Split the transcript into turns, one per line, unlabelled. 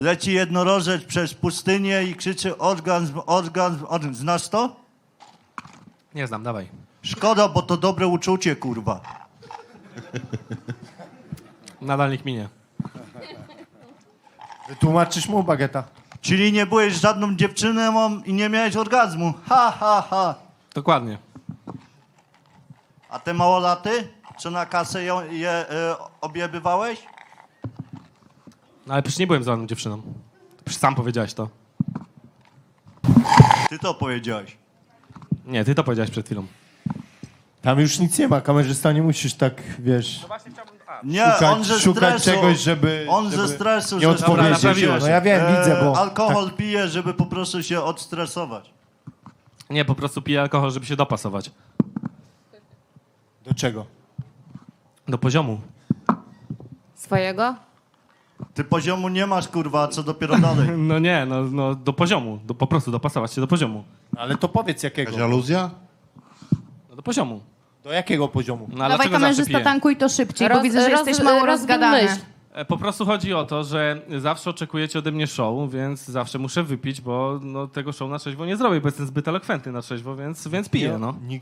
Leci jednorożec przez pustynię i krzyczy orgazm, orgazm, orgazm. Znasz to?
Nie znam, dawaj.
Szkoda, bo to dobre uczucie, kurwa.
Nadal niech minie.
Wytłumaczysz mu, Bageta?
Czyli nie byłeś żadną dziewczyną i nie miałeś orgazmu. Ha, ha, ha.
Dokładnie.
A te małolaty? Co na kasę objebywałeś?
No ale przecież nie byłem z żadną dziewczyną. Przecież sam powiedziałeś to.
Ty to powiedziałeś.
Nie, ty to powiedziałeś przed chwilą.
Tam już nic nie ma, kamerzysta, nie musisz tak, wiesz,
Nie, on ze
szukać
stresu.
czegoś, żeby...
On
żeby
ze stresu.
nie
że-
odpowiedzieć.
naprawiłeś.
No ja wiem, widzę, bo...
Alkohol pije, żeby po prostu się odstresować.
Nie, po prostu piję alkohol, żeby się dopasować.
Do czego?
Do poziomu.
Swojego?
Ty poziomu nie masz, kurwa, co dopiero dalej.
No nie, no do poziomu. Po prostu dopasować się do poziomu.
Ale to powiedz jakiego.
Jakaś aluzja?
No do poziomu.
Do jakiego poziomu?
No, ale
Dawaj
dlaczego zawsze
kamerzysta,
piję?
tankuj to szybciej, bo widzę, że jesteś mało rozgadany.
myśl.
Po prostu chodzi o to, że zawsze oczekujecie ode mnie show, więc zawsze muszę wypić, bo no, tego show na trzeźwo nie zrobię, bo jestem zbyt elokwentny na trzeźwo, więc piję, no.